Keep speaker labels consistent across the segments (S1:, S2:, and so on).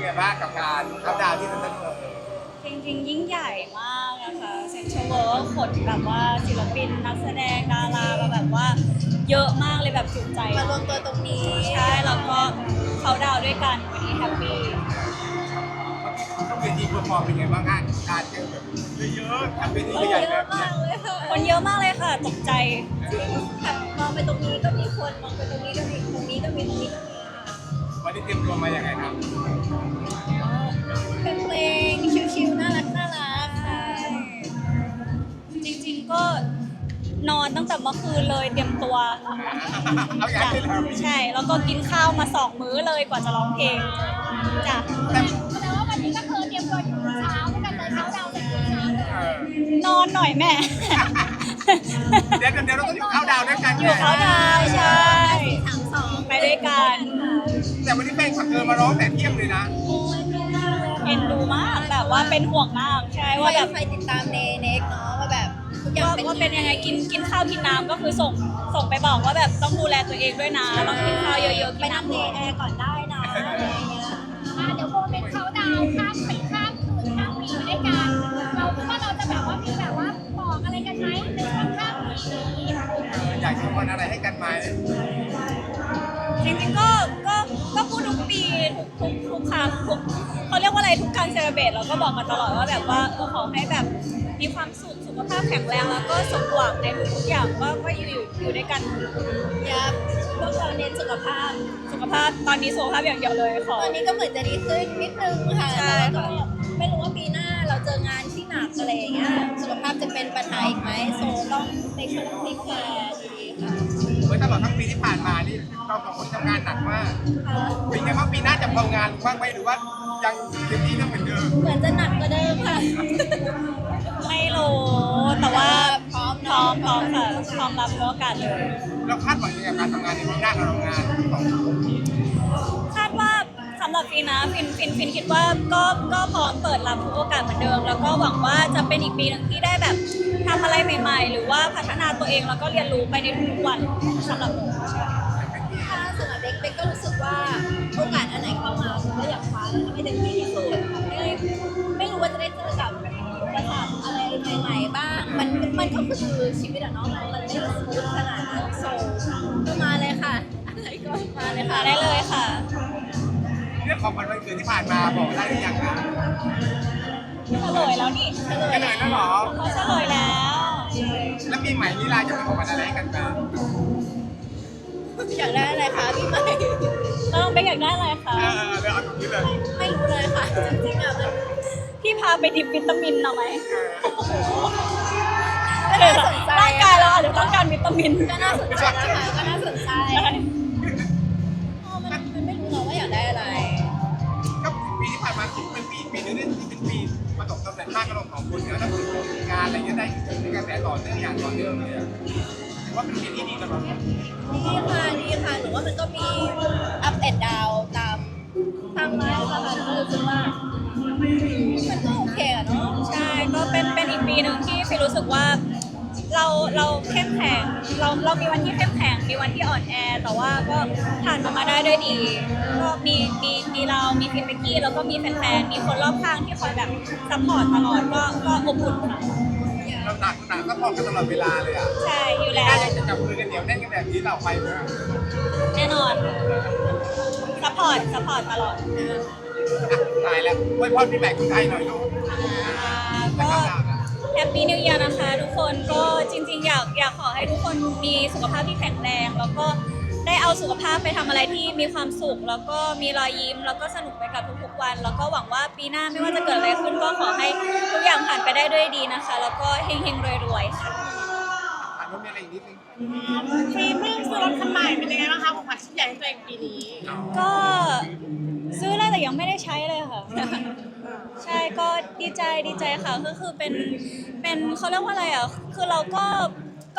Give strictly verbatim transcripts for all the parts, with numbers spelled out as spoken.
S1: บ้างกับการเข้าดาวน์ที่เซ็นทรัลเวิลด์
S2: จริงๆยิ่งใหญ่มากนะคะเซ็นทรัลเวิลด์ขนแบบว่าศิลปินนักแสดงดารามาแบบว่าเยอะมากเลยแบบจุใจ
S3: มารวมตัวตรงนี้
S2: ใช่แล้วก็เขาดาวน์ด้วยกันวันนี้แฮปปี้
S1: ต้องเป็นทีมเพอร์ฟอร์มเป็นไงบ้างฮะการเจอแบบเยอะๆทำเป็นทีม
S3: เย
S1: ใหญ่
S3: อะ
S1: แบบ
S3: มากเลยค่ะ
S2: คนเยอะมากเลยค่ะตกใจ
S3: แบบมองไปตรงนี้ก็มีคนมองไปตรงนี้ก็มีตรงนี้ก็มีตรงนี้ก็มีค่ะ
S1: วันนี้เตรียมตัวมาอย่างไรครับ
S3: เป็นเพลงชิวๆน่ารักน่ารักค่ะ
S2: จริงๆก็นอนตั้งแต่เมื่อคืนเลยเตรียมตัว
S1: เอาอย่าง
S2: จ้ะ
S1: นี้เลย
S2: ใช่แล้วก็กินข้าวมาสองมื้อเลยกว่าจะร้องเพลงจ้ะ
S1: แต่
S3: แสดงว่าวันนี้ก็คือเตรียมตัวอยู่เช้าด้วยกันเลยเช้าดาวเสร็จเช้าเลย
S1: เออน
S2: อนหน่อยแม่
S1: เดี๋ยวเดี๋ยวเราต้องอยู่เข้าดาวน์ด้วยกัน
S2: อยู่เขาดาวน์ใช่
S3: สามสอง
S2: ไปด้วยกัน
S1: แต่วันนี้แฟนขับเธอมาร้องแต่เที่ยงเลยนะ
S2: เอ็นดูมากแบบว่าเป็นห่วงมากใช่
S3: ว่า
S2: ว่า
S3: แบ
S2: แบบ บ
S3: ใครติดตามเนเน็กเนาะว่าแบบทุกอย่าง
S2: ว่า
S3: เป็น
S2: ว่าเป็นยังไงกินกินข้าวกินน้ำก็คือส่งส่งไปบอกว่าแบบต้องดูแลตัวเองด้วยนะต้องกินข้าวเยอะๆ
S3: ไป
S2: กิน
S3: นั่ง
S2: น้ำ
S3: เน
S2: เยอะ
S3: แอร์ก่อนได้นะอะไรอย่างเงี้ยเดี๋ยวโมเมนต์เขาดาวข้ามปีข้ามคืนข้ามปีไปด้วยกันเราคิดว่าเราจะแบบว่ามีแบบว่าบอกอะไรกันไหมในช่วงข้ามปีนี้
S1: เอออยากจะวันอะไรให้กันไหม
S2: จริงๆก็ก็ก็พูดทุกปีทุกทุกทุกครั้งทุกเขาเรียกว่าอะไรทุกการเซเลบรตเราก็บอกกันตลอดว่าแบบว่าเออขอให้แบบมีความสุขสุขภาพแข็งแรงแล้วก็สมหวังในทุกๆอย่างก็ก็อยู่อยู่ด้วยกัน
S3: ยับพวกเราเน้นสุขภาพ
S2: สุขภาพตอนนี้สุขภาพอย่างเดียวเลยขอ
S3: ตอนนี้ก็เหมือนจะดีขึ้นนิดนึงค่ะ
S2: ใช่
S3: แต่ว่าก็ไม่รู้ว่าปีหน้าเราเจองานที่หนักอะไรอย่างเงี้ยสุขภาพจะเป็นปัญหาอีกไหมโซต้องในช่วงนี้แคร์ดีๆค่ะ
S1: เมื่อตลอดทั้งปีที่ผ่านมานี่เราสองคนทำงานหนักมาก
S3: ค่ะ
S1: เป็นไงบ้างปีหน้าจะทำงานบ้างไหมหรือว่ายังเต็มที่เท่าเหมือนเดิม
S3: เหมือนจะหนักกว่าเดิมค่ะ
S2: ไม่รู้แต่ว่า
S3: พร้อม
S2: พร้อ
S3: เนาะ
S2: มพร้อมค่ะพร้อมรับโอกาสเลย
S1: เราคาดหวังยังไงกับการทำงานในปีหน้าเราทำงานสองคน
S2: คาดว่าสำหรับฟินนะฟินฟินฟินคิดว่าก็ก็พร้อมเปิดรับทุกโอกาสเหมือนเดิม แล้วก็หวังว่าจะเป็นอีกปีหนึงที่ได้แบบทำอะไรใหม่ ๆ หรือว่าพัฒนาตัวเองแล้วก็เรียนรู้ไปในทุกๆวันสำหรับหนู
S3: ถ้าสำหรับเด็กเด็กก็รู้สึกว่าโอกาสอันไหนเข้ามาก็อยากคว้าแล้วทำให้เต็มที่ที่สุดไม่ไม่รู้ว่าจะได้เจอกับประสบอะไรใหม่ๆบ้าง มันมันก็คือชีวิตอะเนาะมันมันไม่ได้สมูทขนาดนั้นโซก็มาเลยค่ะ อะไรก็มาเลย
S2: มา
S3: ค่ะ
S2: ได้เลยค่ะ
S1: เรื่องของวันวันเกิดที่ผ่านมาบอกได้หรือยังนะ
S2: เฉลยแล้วนี่
S3: เฉล
S1: ก็
S3: ย
S1: เลยนะหรอ
S2: เขาเฉลยแล้ว
S1: แล้วปีใหม่นี้เราจะเป็นของวันอะไรให้กันบ้าง
S3: อยากได้อะไรคะพี่ใหม่
S2: เราต้องไปอยากได้อะไรคะ
S1: เออเดี๋ยวเอาตรงนี้เลย
S3: ไม่รู้เลยค่ะจริงๆอะมัน
S2: พี่พาไปดิบวิตามินหน่อยไหม
S3: ก็น่าสนใจ
S2: ร่างกายเราอาจจะต้องการวิตามิน
S3: ก็น่าสนใจนะคะก็น่าสนใจเออมันมันไม่รู้หรอกว่าอยากได้อะไร
S1: ก็ปีที่ผ่านมาเป็นปีปีนึงที่เป็นปีประสบความสำเร็จมากกับเราสองคนเนี่ยแล้วคืองานอะไรเงี้ยได้กระแสต่อเนื่องอย่างต่อเนื่องเลยอะถือว่าเป็นปีที่ดีสำหรับเรา
S3: ดีค่ะดีค่ะหนูว่ามันก็มีอัพแอนด์ดาวตามตามไลฟ์ค่ะก็รู้สึกว่ามันก็โอเคอะเนาะ
S2: ใช่ก็เป็นเป็นอีกปีหนึ่งที่ฟิลรู้สึกว่าเราเราเข้มแข็งเราเรามีวันที่เข้มแข็งมีวันที่อ่อนแอ แต่ว่าก็ผ่านมันมาได้ด้วยดี ก็มีมีมีเรามีพี่เป๊กกี้แล้วก็มีแฟนๆมีคนรอบข้างที่คอยแบบซัพพอร์ตตลอดก็ก็อบอุ่นค่ะ
S1: เราหนักหนักก็พอกันตลอดเวลาเลยอ่ะ
S2: ใช่อยู่
S1: ปีห
S2: แล้
S1: น้าว ยังจะจับมือกันเหนียวแน่นกันแบบนี้ต่อไปไหม
S2: แน่นอนซัพพอร์ตซัพพอร์ตตลอด
S1: ตายแล้วไว้พรพี่แบกคนไทยหน่อยลูก
S2: อ่าก็แฮปปี้นิว e ย r นะคะทุกคนก็จริงๆ อยากอยากขอให้ทุกคนมีสุขภาพที่แข็งแรง แล้วก็ได้เอาสุขภาพไปทำอะไรที่มีความสุข แล้วก็มีรอยยิ้ม แล้วก็สนุกไปกับทุกๆวัน แล้วก็หวังว่าปีหน้าไม่ว่าจะเกิดอะไรขึ้นก็ขอให้ทุกอย่างผ่านไปได้ด้วยดีนะคะ แล้วก็เฮงๆรวยๆค่ะ
S1: ถามว่ามีอะไรอีกนิดนึง
S4: ฟีเพิ่งซื้อรถคันใหม่เป็นยังไงบ้างคะของขวัญชิ้นใหญ่ให้ตัวเองปีนี้
S2: ก็ซื้อแล้วแต่ยังไม่ได้ใช้เลยค่ะ ใช่ก็ดีใจดีใจค่ะก็คือเป็นเป็นเขาเรียกว่าอะไรอ่ะคือเราก็ก็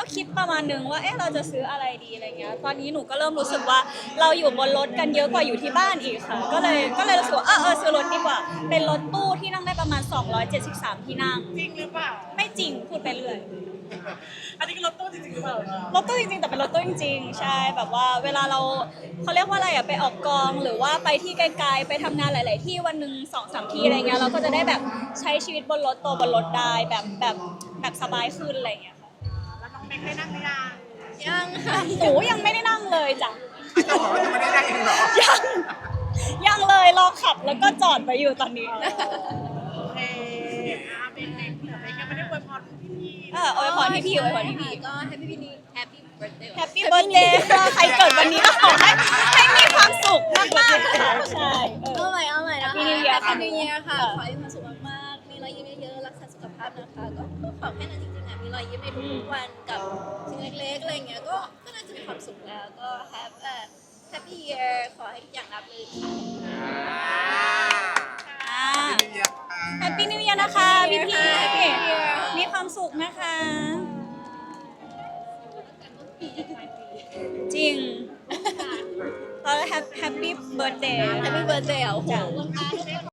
S2: คิดประมาณนึงว่าเอ๊ะเราจะซื้ออะไรดีอะไรเงี้ยตอนนี้หนูก็เริ่มรู้สึกว่าเราอยู่บนรถกันเยอะกว่าอยู่ที่บ้านอีกค่ะ ก็เลยก็เลยรู้สึกว่าเออเออซื้อรถดีกว่า เป็นรถตู้ที่นั่งได้ประมาณสองร้อยเจ็ดสิบสามที่นั่ง
S4: จริงหรือเปล่า
S2: ไม่จริงพูดไปเรื่อย
S4: อันนี้คือรถตู้จริงๆหรือเปล่าร
S2: ถตู้จริงๆแต่เป็นรถตู้จริงๆใช่แบบว่าเวลาเราเขาเรียกว่าอะไรอะไปออกกองหรือว่าไปที่ไกลๆไปทำงานหลาย ๆ ที่วันหนึ่งสองสามที่อะไรเงี้ยเราก็จะได้แบบใช้ชีวิตบนรถตัวบนรถได้แบบแบบแบบสบายขึ้นอะไรเงี้ยค่ะ
S4: แล้วน้องเบคได้นั่งหรือยัง
S3: ยังค่ะ
S2: หนูยังไม่ได้นั่งเลยจ้ะ
S1: เจ้าบอกว่าจะไม่ได้ได้เองเหรอ
S2: ยังยังเลยรอขับแล้วก็จอดไปอยู่ตอนนี้
S4: โอเคอ่ะเบคเบคเหลือเบคยังไม่ได้อวยพรพี่ๆ
S2: เอออวยพรพี่พี่อวยพรพี่พี่
S3: ก็แฮปปี้นี้แฮปปี้เบิร์ดเดย์
S2: แฮปปี้เบิร์ดเดย์ค่ะใครเกิดวันนี้ก็ขอให้ให้มีความสุขมากๆค่ะใช่เออ
S3: เอาใหม่เอาใหม่นะคะ
S2: Happy New Year ค่ะ
S3: Happy New Year ค่ะ ขอให้มีความสุขมากๆ มีรอยยิ้มเยอะๆ รักษาสุขภาพนะคะ ก็ก็ขอแค่นั้นจริงๆนะมีรอยยิ้มในทุกๆวันกับสิ่งเล็กๆ อะไรอย่างเงี้ย ก็ก็น่าจะมีความสุขแล้ว ก็ have a happy year ขอให้ทุกอย่างราบรื่นค่ะ
S2: อ่า
S1: พี่เดียค่ะ
S2: แฮปปี้นิว e ย r นะคะพี่พี่
S3: Happy New Year
S2: มีความสุขนะคะ จริงตอนแฮปปี้เบิร์ดเดย์
S3: Happy birthday อ่ะโอ้โห
S2: จ้ะ
S3: ขอบคุณค่ะ